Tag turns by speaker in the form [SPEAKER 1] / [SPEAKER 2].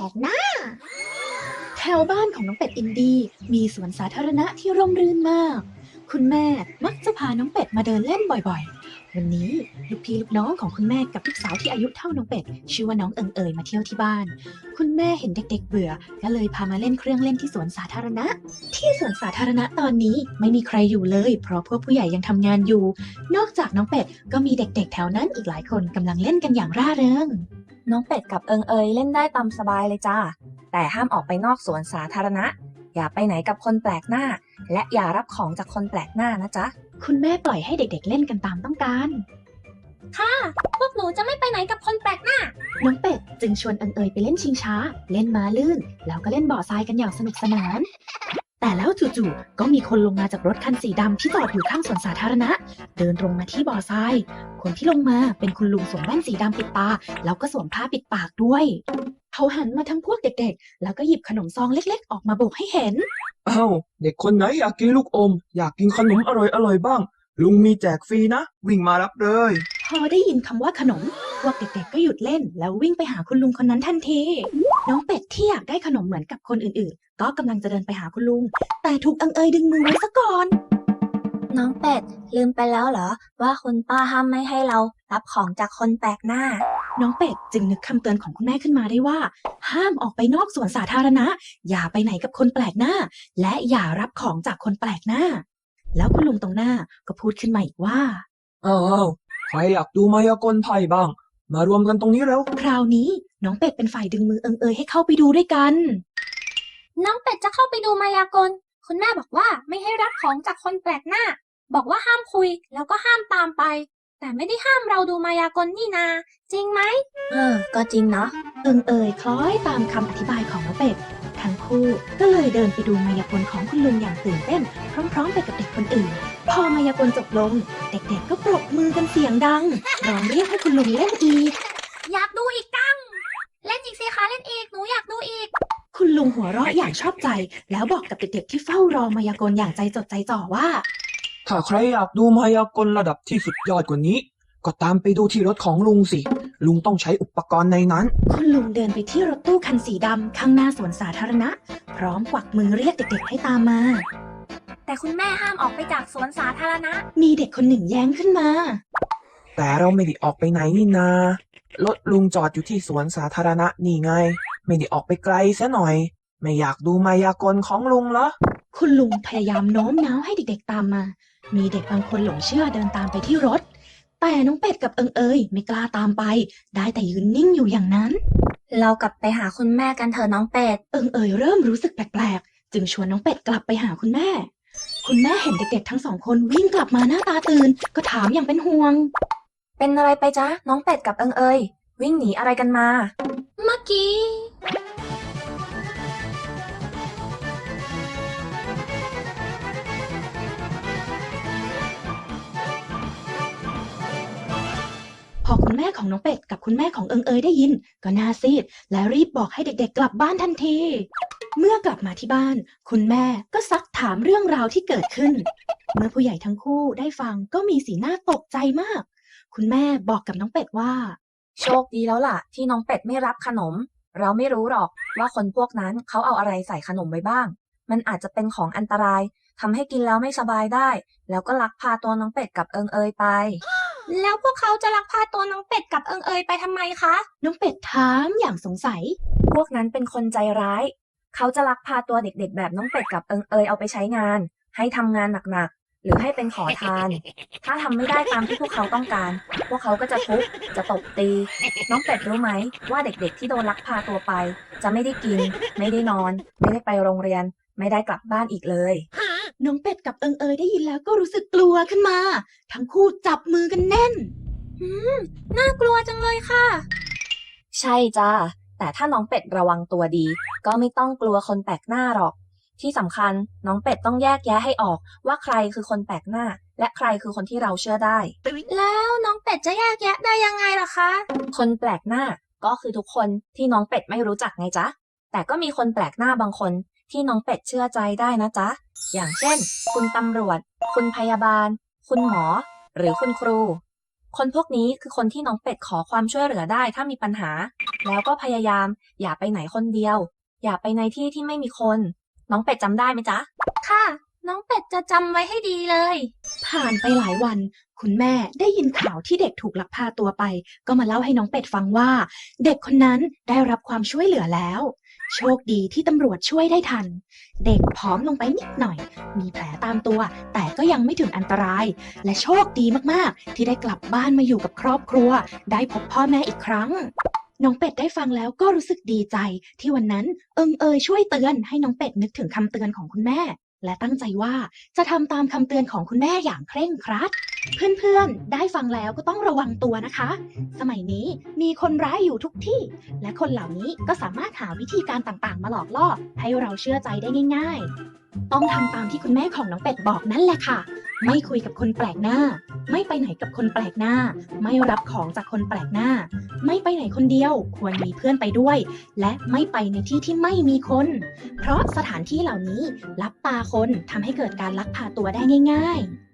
[SPEAKER 1] กหน้าแถวบ้านของน้องเป็ดอินดี้มีสวนสาธารณะที่ร่มรื่นมาก คุณแม่มักจะพาน้องเป็ดมาเดินเล่นบ่อยๆ วันนี้ลูกพี่ลูกน้องของคุณแม่กับลูกสาวที่อายุเท่าน้องเป็ดชื่อว่าน้องเอิงเอยมาเที่ยวที่บ้าน คุณแม่เห็นเด็กๆเบื่อก็เลยพามาเล่นเครื่องเล่นที่สวนสาธารณะ ที่สวนสาธารณะตอนนี้ไม่มีใครอยู่เลยเพราะพวกผู้ใหญ่ยังทำงานอยู่ นอกจากน้องเป็ดก็มีเด็กๆแถวนั้นอีกหลายคนกำลังเล่นกันอย่างร่าเริง
[SPEAKER 2] น้องเป็ดกับเอิงเอยเล่นได้ตามสบายเลยจ้าแต่ห้ามออกไปนอกสวนสาธารณะอย่าไปไหนกับคนแปลกหน้าและอย่ารับของจากคนแปลกหน้านะจ๊ะ
[SPEAKER 1] คุณแม่ปล่อยให้เด็กๆเล่นกันตามต้องการ
[SPEAKER 2] ค่ะพวกหนูจะไม่ไปไหนกับคนแปลกหน้า
[SPEAKER 1] น้องเป็ดจึงชวนเอิงเอยไปเล่นชิงช้าเล่นม้าลื่นแล้วก็เล่นบ่อทรายกันอย่างสนุกสนานแต่แล้วจู่ๆก็มีคนลงมาจากรถคันสีดำที่จอดอยู่ข้างสวนสาธารณะเดินตรงมาที่บ่อทรายคนที่ลงมาเป็นคุณลุงสวมแว่นสีดำปิดตาแล้วก็สวมผ้าปิดปากด้วยเขาหันมาทั้งพวกเด็กๆแล้วก็หยิบขนมซองเล็กๆออกมาโบกให้เห็น
[SPEAKER 3] อ้าวเด็กคนไหนอยากกินลูกอมอยากกินขนมอร่อยบ้างลุงมีแจกฟรีนะวิ่งมารับเลย
[SPEAKER 1] พอได้ยินคำว่าขนมพวกเด็กๆก็หยุดเล่นแล้ววิ่งไปหาคุณลุงคนนั้นทันทีน้องเป็ดที่อยากได้ขนมเหมือนกับคนอื่นๆก็กำลังจะเดินไปหาคุณลุงแต่ถูกเอิงเอยดึงมือไว้ซะก่อน
[SPEAKER 2] น้องเป็ดลืมไปแล้วเหรอว่าคุณป้าห้ามไม่ให้เรารับของจากคนแปลกหน้า
[SPEAKER 1] น้องเป็ดจึงนึกคำเตือนของคุณแม่ขึ้นมาได้ว่าห้ามออกไปนอกสวนสาธารณะอย่าไปไหนกับคนแปลกหน้าและอย่ารับของจากคนแปลกหน้าแล้วคุณลุงตรงหน้าก็พูดขึ้นมาอีกว่า
[SPEAKER 3] อ้าวใครอยากดูมายากลไพ่บ้างมารวมกันตรงนี้แล้ว
[SPEAKER 1] คราวนี้น้องเป็ดเป็นฝ่ายดึงมือเอิงเอยให้เข้าไปดูด้วยกัน
[SPEAKER 2] น้องเป็ดจะเข้าไปดูมายากลคุณแม่บอกว่าไม่ให้รับของจากคนแปลกหน้าบอกว่าห้ามคุยแล้วก็ห้ามตามไปแต่ไม่ได้ห้ามเราดูมายากลนี่นาจริงไหมก็จริงเนาะ
[SPEAKER 1] เอิงเอยคล้อยตามคำอธิบายของน้องเป็ดทั้งคู่ก็เลยเดินไปดูมายากลของคุณลุงอย่างตื่นเต้นพร้อมๆไปกับเด็กคนอื่นพอมายากลจบลงเด็กๆก็ปรบมือกันเสียงดังร้องเรียกให้คุณลุงเล่นอีก
[SPEAKER 2] อยากดูอีกจังเล่นอีกสิคะเล่นอีกหนูอยากดูอีก
[SPEAKER 1] คุณลุงหัวเราะอย่างชอบใจแล้วบอกกับเด็กๆที่เฝ้ารอมายากลอย่างใจจดใจจ่อว่า
[SPEAKER 3] ถ้าใครอยากดูมายากลระดับที่สุดยอดกว่านี้ก็ตามไปดูที่รถของลุงสิลุงต้องใช้อุปกรณ์ในนั้น
[SPEAKER 1] คุณลุงเดินไปที่รถตู้คันสีดำข้างหน้าสวนสาธารณะพร้อมกวักมือเรียกเด็กๆให้ตามมา
[SPEAKER 2] แต่คุณแม่ห้ามออกไปจากสวนสาธารณะ
[SPEAKER 1] มีเด็กคนหนึ่งแย้งขึ้นมา
[SPEAKER 3] แต่เราไม่ได้ออกไปไหนนี่นารถลุงจอดอยู่ที่สวนสาธารณะนี่ไงไม่ได้ออกไปไกลซะหน่อยไม่อยากดูมายากลของลุงเหรอ
[SPEAKER 1] คุณลุงพยายามโน้มน้าวให้เด็กๆตามมามีเด็กบางคนหลงเชื่อเดินตามไปที่รถแต่น้องเป็ดกับเอิงเอยไม่กล้าตามไปได้แต่ยืนนิ่งอยู่อย่างนั้น
[SPEAKER 2] เรากลับไปหาคุณแม่กันเถอะน้องเป็ด
[SPEAKER 1] เอิงเอยเริ่มรู้สึกแปลกๆจึงชวนน้องเป็ดกลับไปหาคุณแม่เห็นเด็กๆทั้งสองคนวิ่งกลับมาหน้าตาตื่นก็ถามอย่างเป็นห่วง
[SPEAKER 2] เป็นอะไรไปจ๊ะน้องเป็ดกับเอิงเอยวิ่งหนีอะไรกันมาเมื่อกี้
[SPEAKER 1] พอคุณแม่ของน้องเป็ดกับคุณแม่ของเอิงเอยได้ยินก็หน้าซีดและรีบบอกให้เด็กๆกลับบ้านทันทีเมื่อกลับมาที่บ้านคุณแม่ก็ซักถามเรื่องราวที่เกิดขึ้นเมื่อผู้ใหญ่ทั้งคู่ได้ฟังก็มีสีหน้าตกใจมากคุณแม่บอกกับน้องเป็ดว่า
[SPEAKER 2] โชคดีแล้วล่ะที่น้องเป็ดไม่รับขนมเราไม่รู้หรอกว่าคนพวกนั้นเขาเอาอะไรใส่ขนมไว้บ้างมันอาจจะเป็นของอันตรายทำให้กินแล้วไม่สบายได้แล้วก็ลักพาตัวน้องเป็ดกับเอิงเอยไปแล้วพวกเขาจะลักพาตัวน้องเป็ดกับเอิงเอยไปทำไมคะ
[SPEAKER 1] น้องเป็ดถามอย่างสงสัย
[SPEAKER 2] พวกนั้นเป็นคนใจร้ายเขาจะลักพาตัวเด็กๆแบบน้องเป็ดกับเอิงเอยเอาไปใช้งานให้ทำงานหนักๆหรือให้เป็นขอทานถ้าทำไม่ได้ตามที่พวกเขาต้องการพวกเขาก็จะทุบจะตบตีน้องเป็ดรู้ไหมว่าเด็กๆที่โดนลักพาตัวไปจะไม่ได้กินไม่ได้นอนไม่ได้ไปโรงเรียนไม่ได้กลับบ้านอีกเลย
[SPEAKER 1] น้องเป็ดกับเอิงเอยได้ยินแล้วก็รู้สึกกลัวขึ้นมาทั้งคู่จับมือกันแน่น
[SPEAKER 2] น่ากลัวจังเลยค่ะใช่จ้าแต่ถ้าน้องเป็ดระวังตัวดีก็ไม่ต้องกลัวคนแปลกหน้าหรอกที่สำคัญน้องเป็ดต้องแยกแยะให้ออกว่าใครคือคนแปลกหน้าและใครคือคนที่เราเชื่อได้แล้วน้องเป็ดจะแยกแยะได้ยังไงล่ะคะคนแปลกหน้าก็คือทุกคนที่น้องเป็ดไม่รู้จักไงจ๊ะแต่ก็มีคนแปลกหน้าบางคนที่น้องเป็ดเชื่อใจได้นะจ๊ะอย่างเช่นคุณตำรวจคุณพยาบาลคุณหมอหรือคุณครูคนพวกนี้คือคนที่น้องเป็ดขอความช่วยเหลือได้ถ้ามีปัญหาแล้วก็พยายามอย่าไปไหนคนเดียว อย่าไปในที่ที่ไม่มีคน น้องเป็ดจำได้ไหมจ๊ะ ค่ะ น้องเป็ดจะจำไว้ให้ดีเลย
[SPEAKER 1] ผ่านไปหลายวัน คุณแม่ได้ยินข่าวที่เด็กถูกลักพาตัวไป ก็มาเล่าให้น้องเป็ดฟังว่า เด็กคนนั้นได้รับความช่วยเหลือแล้ว โชคดีที่ตำรวจช่วยได้ทัน เด็กผอมลงไปนิดหน่อย มีแผลตามตัว แต่ก็ยังไม่ถึงอันตราย และโชคดีมากๆ ที่ได้กลับบ้านมาอยู่กับครอบครัว ได้พบพ่อแม่อีกครั้ง น้องเป็ดได้ฟังแล้วก็รู้สึกดีใจ ที่วันนั้นช่วยเตือนให้น้องเป็ดนึกถึงคำเตือนของคุณแม่ และตั้งใจว่าจะทำตามคำเตือนของคุณแม่อย่างเคร่งครัด เพื่อนๆ ได้ฟังแล้วก็ต้องระวังตัวนะคะ สมัยนี้มีคนร้ายอยู่ทุกที่ และคนเหล่านี้ก็สามารถหาวิธีการต่างๆ มาหลอกล่อให้เราเชื่อใจได้ง่ายๆ ต้องทำตามที่คุณแม่ของน้องเป็ดบอกนั่นแหละค่ะ ไม่คุยกับคนแปลกหน้า ไม่ไปไหนกับคนแปลกหน้า ไม่รับของจากคนแปลกหน้า ไม่ไปไหนคนเดียว ควรมีเพื่อนไปด้วย และไม่ไปในที่ที่ไม่มีคน เพราะสถานที่เหล่านี้ลับตาคนทำให้เกิดการลักพาตัวได้ง่ายๆ